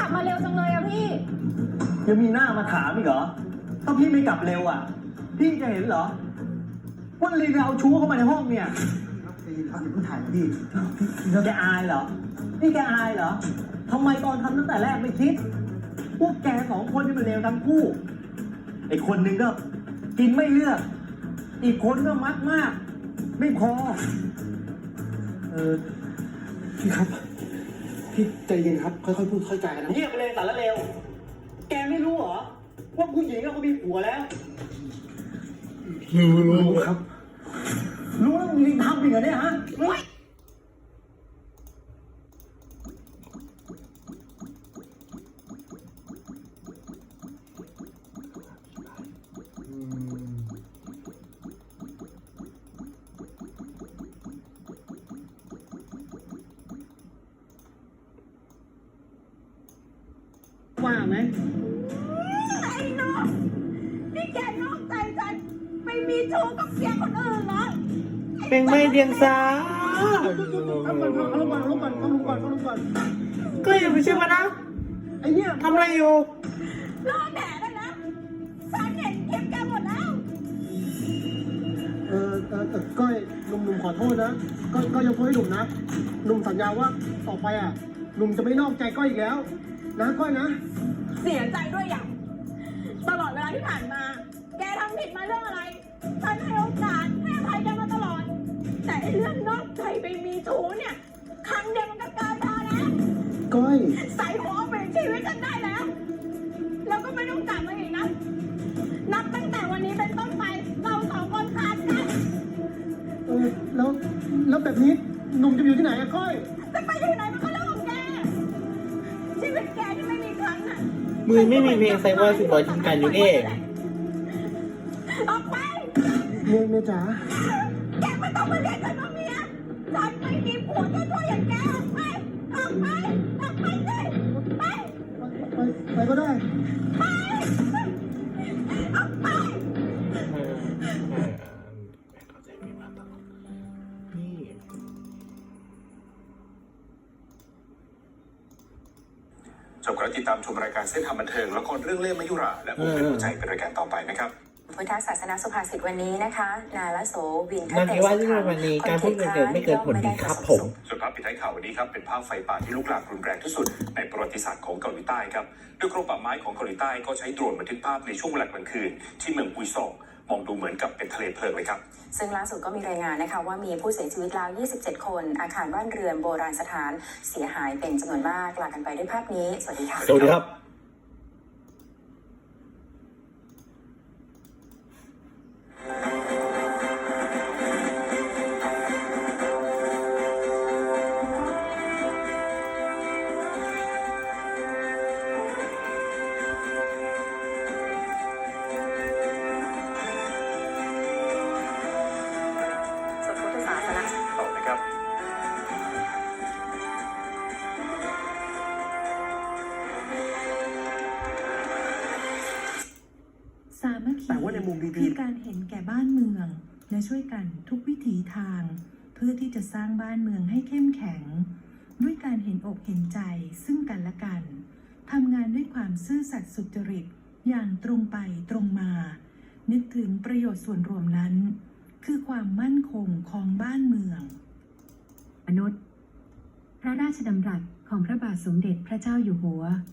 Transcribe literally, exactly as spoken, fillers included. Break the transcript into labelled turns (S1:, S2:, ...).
S1: ขับมาเร็วจังเลยอะพี่
S2: ยังมีหน้ามาถามอีกเหรอถ้าพี่ไม่กลับเร็วอ่ะพี่จะเห็นเหรอว่าลีนเอาชู้เข้ามาในห้องเนี่ยพี่ครับอย่าเพิ่งถ่ายพี่แกอายเหรอนี่แกอายเหรอทำไมตอนทำตั้งแต่แรกไม่คิดพวกแกสองคนนี่มันเลวทั้งคู่ไอ้คนหนึ่งก็กินไม่เลือกอีกคนก็มักมากไม่พอเออพี่ครับพี่ใจเย็นครับค่อยๆพูดค่อยๆจากันนะเงียบไปเลยสารเลวแกไม่รู้เหรอว่าผู้หญิงเขามีผัวแล้วรู้รู้ครับรู้แล้วมึงยังทำอีกเหรอเนี่ยฮะว่าไหม
S1: ไอ้น้องนี่แกนอกใจฉันไปมีชู้กับเสียคนอื่นเหรอ
S3: เป็นไม่เดียงสา
S2: เอาก่อนเอาลงก่อนเอาลงก่อนเอาลงก่อนเอาลงก่อน
S3: ก็อย่าไปเชื่อมันนะ
S2: ไอ้เนี่ย
S3: ทำอะไรอยู่
S1: รอแดดแล้วนะฉันเห็นคลิปแกหมดแล้ว
S2: เออเออเออก้อยหนุ่มหนุ่มขอโทษนะก้อยก้อยยกโทษให้หนุ่มนะหนุ่มสัญญาว่าต่อไปอ่ะหนุ่มจะไม่นอกใจก้อยอีกแล้วนะก้อยนะ
S1: เสียใจด้วยอย่างตลอดเวลาที่ผ่านมาแกทำผิดมาเรื่องอะไรฉันให้โอกาสให้อภัยแกมาตลอดแต่เรื่องนอกใจไปมีชู้เนี่ยครั้งเดียวมันก็เกินพอแล้ว
S2: ก้อย
S1: ใส่หัวเปลี่ยนชีวิตฉันได้แล้วแล้วก็ไม่ต้องกลับมาอีกนะนับตั้งแต่วันนี้เป็นต้นไปเราสองคนขาดกัน
S2: เออแล้วแล้วแบบนี้หนุ่มจะอยู่ที่ไหนอะก้อย
S1: จะไปอยู่ไหนมันก็เรื่องของแกชีวิตแกที่ไม่มีครั้งน่ะ
S3: มือไม่มีเพลงไซบอร์สิบอยทิ้งกันอยู่เอง
S1: ออกไป
S2: เมียเมียจ๋า
S1: แกไม่ต้องมาเรียกฉันว่าเมียฉันไม่มีผัวชั่วๆอย่างแกออกไปออกไปออกไปสิไป
S2: ไปไปก็ได้
S1: ไปออกไป
S4: ชมครับติดตามชมรายการเส้นทางบันเทิงละครเรื่องเล่ห์มยุราและผู้เป็นหัวใจเป็นรายการต่อไปนะครับ
S5: พุทธศาสนาสุภาษิตวันนี้นะคะนาลโสวินท
S3: เตว่าที่วันนี้การพูดเกิดไม่เกิดผลดีครับผม
S4: ส่วนภาพปิดท้ายข่าววันนี้ครับเป็นภาพไฟป่าที่ลุกลามรุนแรงที่สุดในประวัติศาสตร์ของเกาหลีใต้ครับโดยกรมป่าไม้ของเกาหลีใต้ก็ใช้โดรนบันทึกภาพในช่วงเวลากลางคืนที่เมืองอุยซองมองดูเหมือนกับเป็นทะเลเพลิงเลยครับ
S5: ซึ่งล่าสุดก็มีรายงานนะคะว่ามีผู้เสียชีวิตแล้วยี่สิบเจ็ดคนอาคารบ้านเรือนโบราณสถานเสียหายเป็นจำนวนมากลากันไปด้วยภาพนี้สวัสดีค่ะ
S3: สวัสดีครับ
S6: สามัคคีคือการเห็นแก่บ้านเมืองและช่วยกันทุกวิถีทางเพื่อที่จะสร้างบ้านเมืองให้เข้มแข็งด้วยการเห็นอกเห็นใจซึ่งกันและกันทำงานด้วยความซื่อสัตย์สุจริตอย่างตรงไปตรงมานึกถึงประโยชน์ส่วนรวมนั้นคือความมั่นคงของบ้านเมืองมนุษย์พระราชดำรัสของพระบาทสมเด็จพระเจ้าอยู่หัว